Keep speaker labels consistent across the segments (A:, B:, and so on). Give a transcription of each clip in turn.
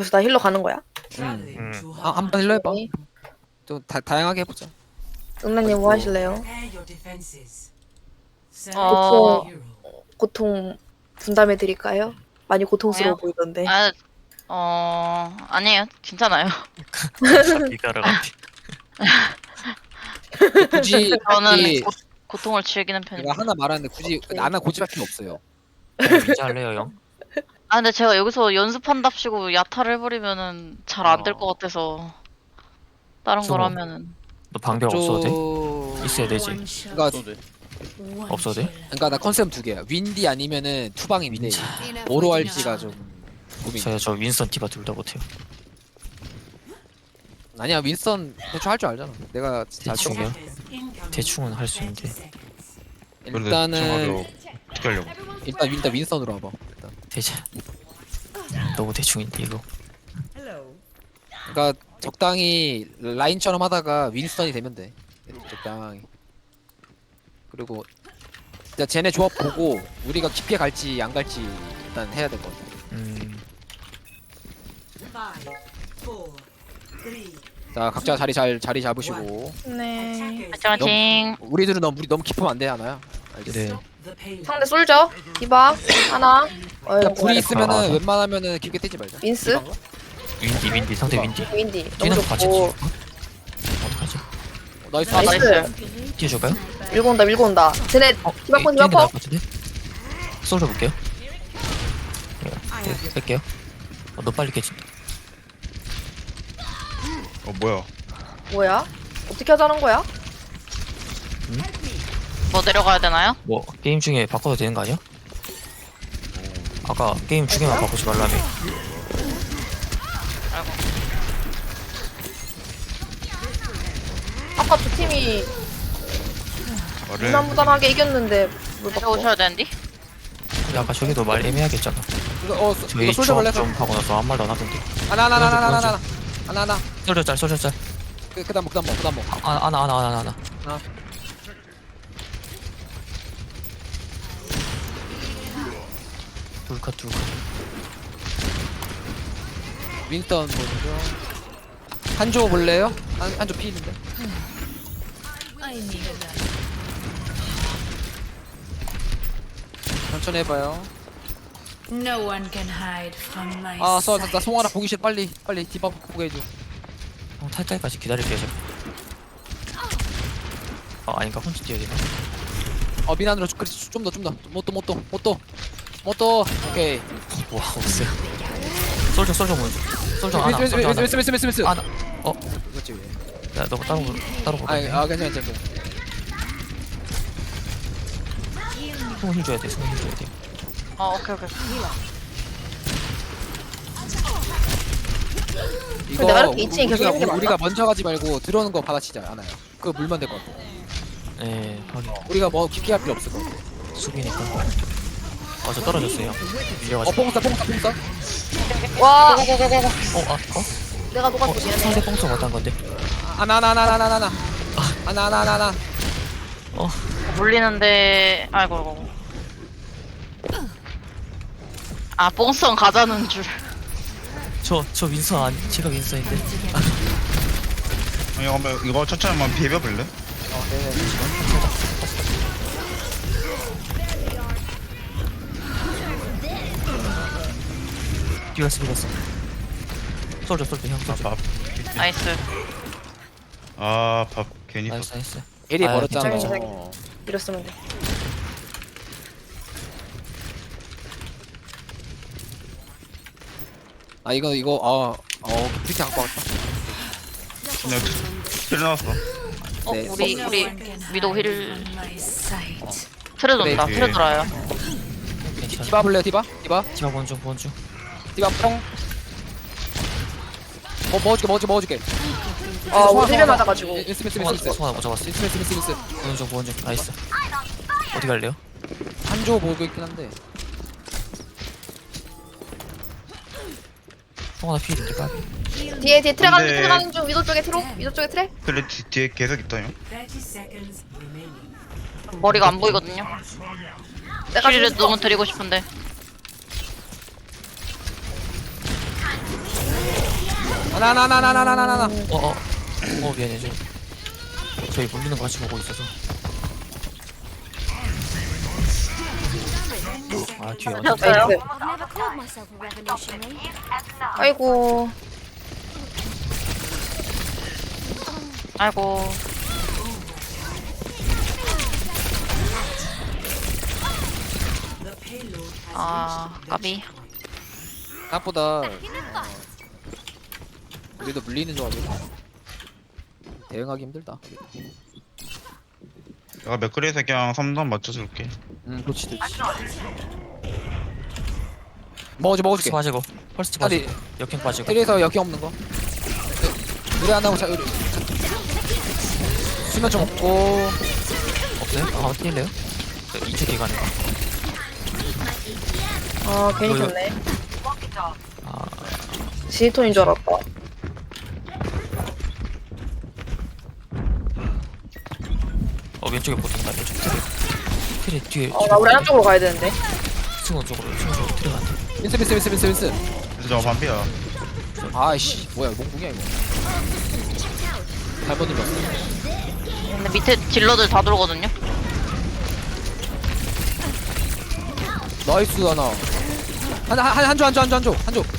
A: 거기서 나 힐러 가는 거야?
B: 한번 힐러 해봐. 좀 다양하게 해보자.
A: 은나님 뭐 하실래요?
C: 어,
A: 고통 분담해 드릴까요? 많이 고통스러워
C: 뭐요?
A: 보이던데.
C: 아니에요. 괜찮아요.
D: 이가라 같아.
B: 굳이
C: 저는
B: 굳이
C: 고통을 즐기는
B: 내가
C: 편입니다.
B: 하나 말하는데 굳이 나나 고집할 필요 없어요.
D: 민지 할래요 형?
C: 아, 근데 제가 여기서 연습한답시고 야타를 해버리면은 잘 안 될 것 같아서 다른 걸
D: 저거.
C: 하면은
D: 너 방벽 없어도 돼?
B: 돼?
D: 있어야 되지.
B: 그러니까
D: 없어도 돼?
B: 그러니까 나 컨셉 두 개야. 윈디 아니면은 투방이 미네. 뭐로 할지가 좀 고민.
D: 저 윈선 티바 둘 다 못해요.
B: 아니야 윈스턴 대충 할 줄 알잖아. 내가 잘 쳐.
D: 대충이요? 대충은 할 수 있는데
B: 일단은
E: 어떻게 하려고?
B: 일단 윈스턴으로 와봐. 일단.
D: 대체 너무 대충인데 이거.
B: 그러니까 적당히 라인처럼 하다가 윈스턴이 되면 돼. 적당히. 그리고 진짜 쟤네 조합 보고 우리가 깊게 갈지 안 갈지 일단 해야 될 것 같아. 자 각자 자리 잡으시고.
A: 네.
C: 화이팅.
B: 우리들은 너무 깊으면 안 돼 하나야. 알겠어.
D: 네.
A: 상대 솔져. 디바 하나.
B: 그러니까 불이
D: 아,
B: 있으면은
D: 맞아.
B: 웬만하면은 깊게 뛰지 말자.
A: 민스.
D: 윈디 상대 윈디.
A: 윈디. 너무
D: 뛰는 거 같이
A: 좋고.
D: 뛰어줄까? 어떡하지?
B: 나이스.
C: 아,
A: 나이스.
D: 뛰어줄까요?
A: 밀고 온다 밀고 온다. 쟤네 디바콘
D: 뛰는 게 나을
A: 디바콘.
D: 것 같은데? 쏠져 볼게요. 뺄게요. 너 빨리 깨진다.
E: 뭐야?
A: 뭐야? 어떻게 하자는 거야?
C: 뭐 내려가야 되나요?
D: 뭐 게임 중에 바꿔도 되는 거 아니야? 아까 게임 중에만 바꾸지 말라며.
C: 아이고.
A: 아까 두 팀이
E: 말을
A: 무난무단하게 이겼는데 뭘 바꿔?
C: 내려오셔야 되는데?
D: 근데 아까 저기도 말 애매하겠잖아.
B: 이거
D: 저희
B: 이거 솔져 볼래?
D: 조합 좀 하고 나서 아무 말도 안 하던데.
B: 하나.
D: 쏠져.
B: 그다음 뭐.
D: 하나. 둘컷.
B: 윈스턴 보죠. 한조 볼래요? 한조 피는데. 천천히 해봐요.
F: No one can hide from my
B: 나
F: sight.
B: 송하나 보기 싫어. 빨리 디바 보게 해줘.
D: 탈 때까지 기다릴게요 제가. 아닌가 혼자 뛰어야 되나?
B: 미난으로 좀더 못도. 오케이.
D: 와 없어요. 솔져 먼저. 솔져 하나.
B: 미스.
D: 하나.
B: 그렇지.
D: 야 너 따로 보자.
B: 괜찮아.
D: 손 힘줘야 돼.
C: 오케이.
B: 이거
A: 내가 이렇게 2층에 계속 있는 게 맞나?
B: 우리가 먼저 가지 말고 들어오는 거 받아치자 않아요. 그거 물면 될 것 같아.
D: 네 확인.
B: 우리가 뭐 깊게 할 필요 없을 것 같아.
D: 수비니까. 저 떨어졌어요. 밀려가지고.
B: 뽕싸.
A: 와 내가
D: 어?
A: 녹았어 미안해.
D: 상대 뽕서 못한 건데.
B: 하나.
C: 물리는데 아이고. 아, 뽕성 가자는 줄.
D: 저 윈서 제가 윈서인데.
E: 아니 한번 이거 천천히 한번 비벼볼래?
D: 비겼어. 솔져 형 솔져.
E: 밥.
C: 나이스.
E: 밥 괜히
D: 나이스.
B: 에리
D: 아,
B: 멀었잖아.
A: 괜찮아. 이랬으면 돼.
B: 이거 브리티 갖고 왔다.
E: 그냥 틀어놨어.
B: 네,
C: 우리
F: No one can
C: 위도
F: hide
C: 힐
F: from my sight.
C: 틀어 돈다.
E: 그래,
C: 틀어 돌아요.
D: 괜찮아.
B: 디바 볼래요? 디바?
D: 디바 본중.
B: 디바 뽕. 먹어줄게.
A: 우리 힐 맞아가지고.
B: 미스.
D: 송하나 못 잡았어.
B: 미스.
D: 본중. 나이스. 어디 갈래요?
B: 한조 보고 있긴 한데.
D: 송하나 필인데 까비.
A: 뒤에 트레 가는
E: 근데-
A: 트레 가는 중 위도 쪽에 트레.
E: 그래 뒤에 계속 있다요.
C: 머리가 안 보이거든요.
A: 내가
C: 힐을
A: 줬어.
C: 너무 드리고 싶은데.
B: 나나나나나나나나.
D: 미안해 좀. 저희 물리는 거 같이 보고 있어서. 아 뒤에 어디?
C: 하셨어요?
A: 나이스.
G: I've never called myself a revolutionary.
A: 아이고.
C: 아이고. 아, 까비.
B: 생각보다 우리도 물리는 조합이고 대응하기 힘들다.
E: 내가 맥그리에서 그냥 3단 맞춰줄게.
B: 그렇지 좋지. 먹어줄게.
D: 펄스 빠지고 펄스
B: 아니,
D: 빠지고 역행 빠지고.
B: 트레에서 역행 없는 거. 우리 안 하고 자 우리 수면 좀 없고.
D: 없어요? 아 한번 뛸래요? 2초 기간에.
A: 아 괜히
D: 이거-
A: 졌네.
D: 아
A: 지휘톤인 줄 알았다.
D: 왼쪽에 보통다 왼쪽 트레 뒤에.
A: 나 우리 안쪽으로 가야 되는데.
D: 층원 쪽으로 트레 간다.
B: 윈스.
E: 그래서 저 반피야.
B: 아이씨 뭐야 몽궁이야 이거. 잘못 눌렀어.
C: 근데 밑에 딜러들 다 들어오거든요?
B: 나이스 하나. 한조.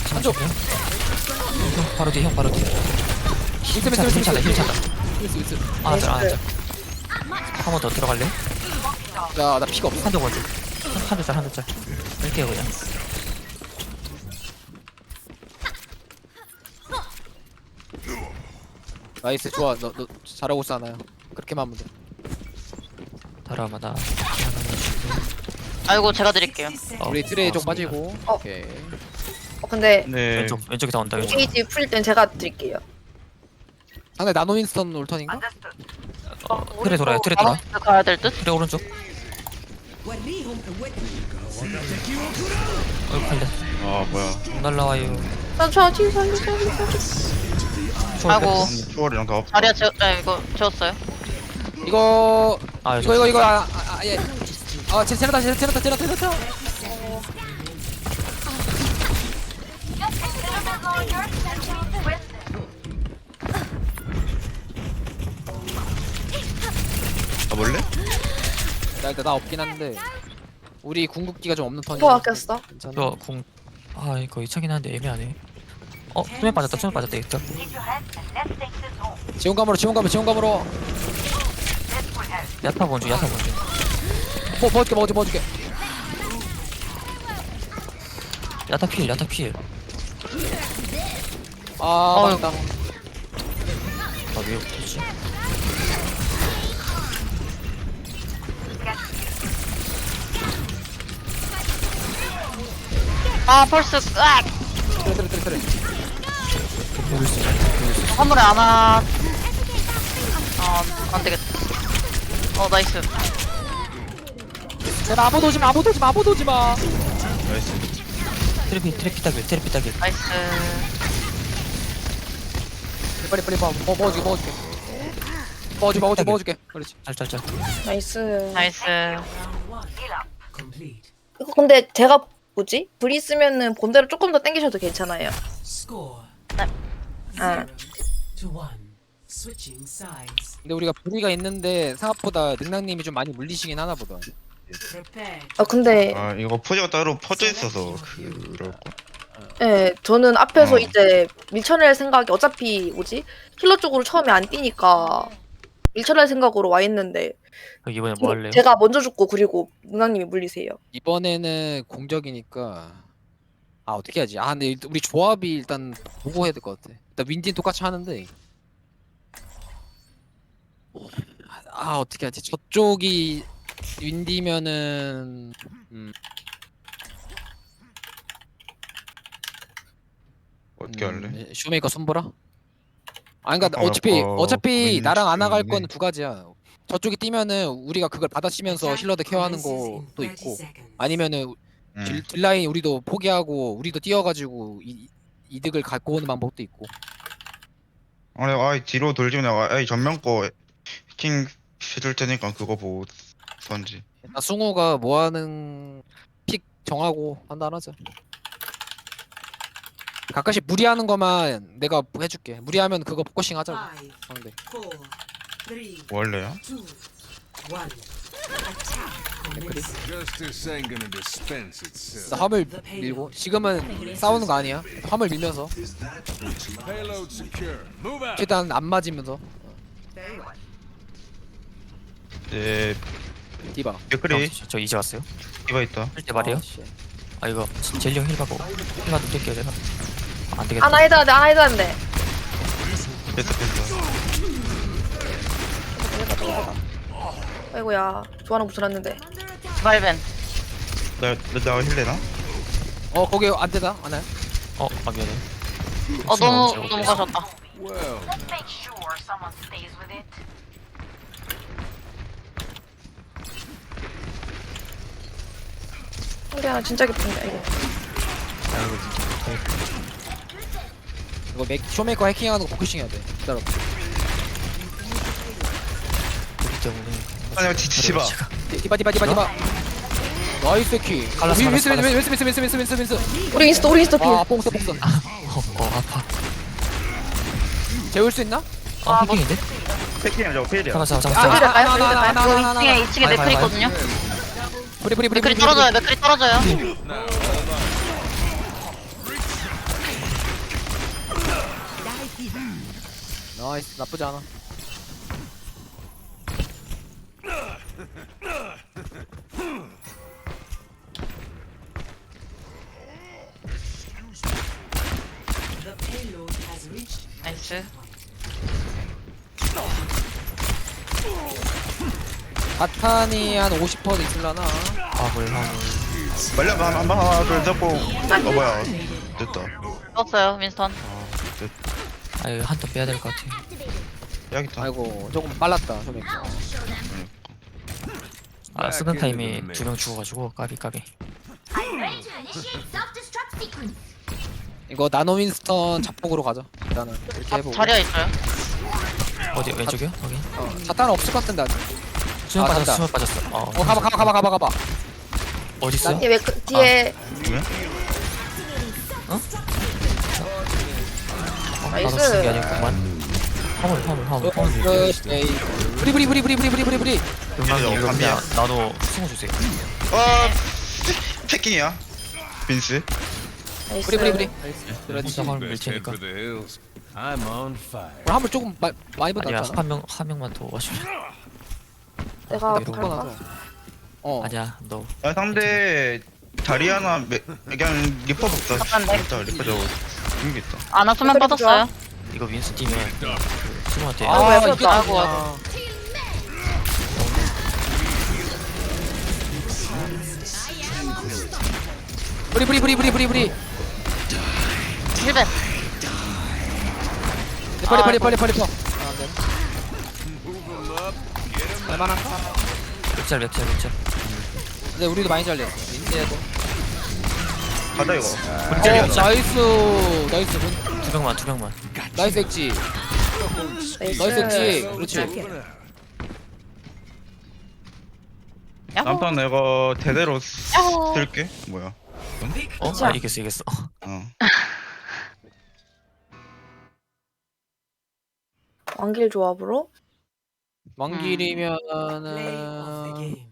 D: 형 바로 뒤 형 바로 뒤. 힐 찬다.
B: 윈스.
D: 안아줘. 한 번 더 들어갈래?
B: 야나 피가 없어.
D: 한대 먼저. 한대 짤. 뺄게요 그냥.
B: 나이스 좋아. 너 잘하고 있어 하나야. 그렇게만 하면 돼.
D: 다라마 나.
C: 아이고, 제가 드릴게요.
B: 우리 트레이 좀 빠지고. 오케이.
A: 근데
E: 네.
D: 왼쪽에 다 온다 왼쪽.
A: 게이지 풀릴 땐 제가 드릴게요.
B: 상대 나노 윈스턴 올 턴인가?
D: 트레 돌아요. 트레 돌아.
C: 가야 될 듯?
D: 트레 오른쪽. 팔려.
E: 아 뭐야.
D: 못 날라와요.
A: 저 뒤에 살려.
C: 아이고.
E: 초월이랑 다 없어.
C: 자리야, 이거 재웠어요?
B: 이거
D: 아
B: 이거 예. 제라타.
E: 가볼래?
B: 나 일단 나 없긴 한데 우리 궁극기가 좀 없는 턴이야.
A: 뭐 아꼈어?
B: 괜찮아.
D: 저궁 아 이거 2차긴 한데 애매하네. 수면 빠졌다 이거.
B: 지원감으로.
D: 야타 먼저.
B: 먹어줄게.
D: 야타 필.
B: 아 맞다.
D: 왜 없지?
C: 아, 펄스, 으악!
B: 트레.
C: 화물에 안 와. 안 되겠다. 나이스.
B: 제발 아무도 오지 마.
E: 나이스.
D: 트레 피타길.
C: 나이스.
B: 빨리 먹어줄게. 그렇지.
D: 짤.
A: 나이스.
C: 나이스.
A: 이거 근데 제가 뭐지? 불 있으면은 본대로 조금 더 당기셔도 괜찮아요.
H: Score
A: 아.
H: 0-1. Switching sides.
B: 근데 우리가 불이가 있는데 생각보다 능랑님이 좀 많이 물리시긴 하나 보다.
H: Prepare.
A: 근데
E: 아 이거 포즈가 따로 퍼져 있어서 그럴 거.
A: 예, 저는 앞에서
E: 어.
A: 이제 밀쳐낼 생각이 어차피 뭐지? 힐러 쪽으로 처음에 안 뛰니까 밀쳐낼 생각으로 와 있는데
D: 이번에 뭐 할래요?
A: 제가 먼저 죽고 그리고 누나님이 물리세요.
B: 이번에는 공적이니까 어떻게 하지? 근데 우리 조합이 일단 보고 해야 될 것 같아. 일단 윈디는 똑같이 하는데 어떻게 하지? 저쪽이 윈디면은
E: 어떻게 할래?
B: 쇼메이커 손보라? 그러니까
E: 잠깐만,
B: 어차피
E: 윈디
B: 나랑 안 나갈
E: 있네.
B: 거는 두 가지야. 저쪽이 뛰면은 우리가 그걸 받아치면서 힐러들 케어하는 것도 있고, 아니면은 딜라인 우리도 포기하고 우리도 뛰어가지고 이득을 갖고 오는 방법도 있고.
E: 아니 뒤로 돌지 내가 전면 거 해킹 해줄 테니까 그거 보고 선지.
B: 승우가 뭐하는 픽 정하고 판단하자. 가끔씩 무리하는 거만 내가 해줄게. 무리하면 그거 포커싱 하자고.
H: Five,
B: 상대.
H: 4, 3,
E: 원래야?
H: 2, 1. Attack commence.
I: Justice ain't gonna dispense itself.
B: 나 화물 밀고 지금은 싸우는 거 아니야. 화물 밀면서
I: Payload secure. Move out.
B: 최대한 안 맞으면서
E: 예,
B: 디바.
E: 댓글이
D: 저 이제 왔어요?
E: 디바 있다.
D: 할 때 말이에요?
B: 아, 씨.
D: 아 이거 젤리 형 힐받고 힐만 좀 뛸게요 제가. 안 되겠다.
A: 하나 해야 돼, 하나 해야 돼.
E: 됐다, 됐다.
A: 아이고야, 조화는 붙여놨는데.
C: 디발벤.
E: 나 힐내나?
B: 거기 안 되다. 안 해.
D: 아 미안해.
C: 너무 가셨다.
I: Well,
A: 상대 하나 진짜 깊은데, 이거.
D: 아이고 진짜.
B: 이거 쇼메이커 해킹하는 거 포커싱 해야 돼. 기다려.
D: 그렇기 때문에.
E: 아니야, 지지마.
B: 디바. 나이스 키.
D: 갈랐어,
B: 윈스.
A: 우리 인스터 필.
B: 아, 뽕스.
D: 아파.
B: 재울 수 있나?
D: 해킹인데?
E: 패킹이야, 저거 필이야.
D: 잡았어.
C: 이거 2층에
D: 바이,
C: 맥클
D: 바이,
C: 있거든요.
B: 브리.
C: 맥클이 떨어져요. 맥클이 떨어져요.
B: 나이스. 나쁘지 않아.
H: The payload has reached.
C: 나이스.
B: 바탄이 한 50% 있을라나?
D: 화물.
E: 말려, 하나, 둘, 잡고. 뭐야. 됐다.
C: 떴어요 윈스턴.
D: 아 이거 한턴 빼야 될 것 같아.
E: 여기 있다.
B: 아이고, 조금 빨랐다. 쇼메이커.
D: 아 쓰는 타임에 2명 죽어가지고 까비.
B: 이거 나노 윈스턴 잡폭으로 가자. 일단은 이렇게 해보고.
C: 자리야 있어요.
D: 어디 왼쪽이요? 확인.
B: 자탄은 없을 것 같은데 아직.
D: 수면
B: 아,
D: 빠졌어.
B: 간다.
D: 수면 빠졌어.
B: 가봐.
D: 어디 있어요?
A: 얘 왜 그 뒤에
D: 나도
A: 나이스.
D: 쓴게 아니구만. 화물.
B: 브리.
D: 용남이 이거
E: 감이야.
D: 그냥 나도 승우 주세요.
E: 패킹이야. 빈스.
A: 나이스.
B: 브리.
D: 혼자 화물 밀
I: best head
D: 테니까.
I: for the hills. I'm on fire.
B: 화물 조금 많이
D: 아니야
B: 받았잖아.
D: 한 명만 더 와주면.
A: 내가
D: 이러고
A: 갈까?
D: 아니야 너.
E: 아, 상대 다리 하나, 그냥 리퍼 먹다.
C: 잠깐만.
E: 진짜 리퍼 저거. 죽는 게 있다.
C: 아나 수면
A: 맥클이
C: 빠졌어요.
D: 이거 윈스 뛰면 그 승우한테.
A: 아이고, 왜
B: 이게
A: 쏟다.
B: 아이고. 브리.
C: 힐벤.
B: 빨리. 할만한가?
D: 몇 짤.
B: 근데 우리도 많이 잘렸어. 인제도.
E: 가자, 이거.
B: 나이스.
D: 두 명만.
B: 나이스 엑지. 나이스 엑지. 그렇지.
C: 야호.
E: 남편 내가 대대로
C: 야호.
E: 쓸게. 뭐야?
D: 아 이겼어.
A: 왕길 조합으로
H: Play of the
B: 왕길이면은
H: game.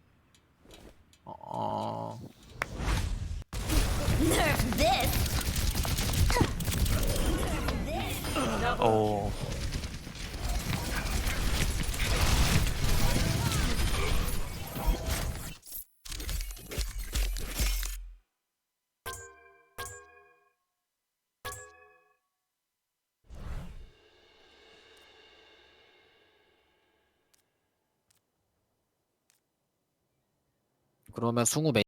D: 오.
B: 그러면 승우 메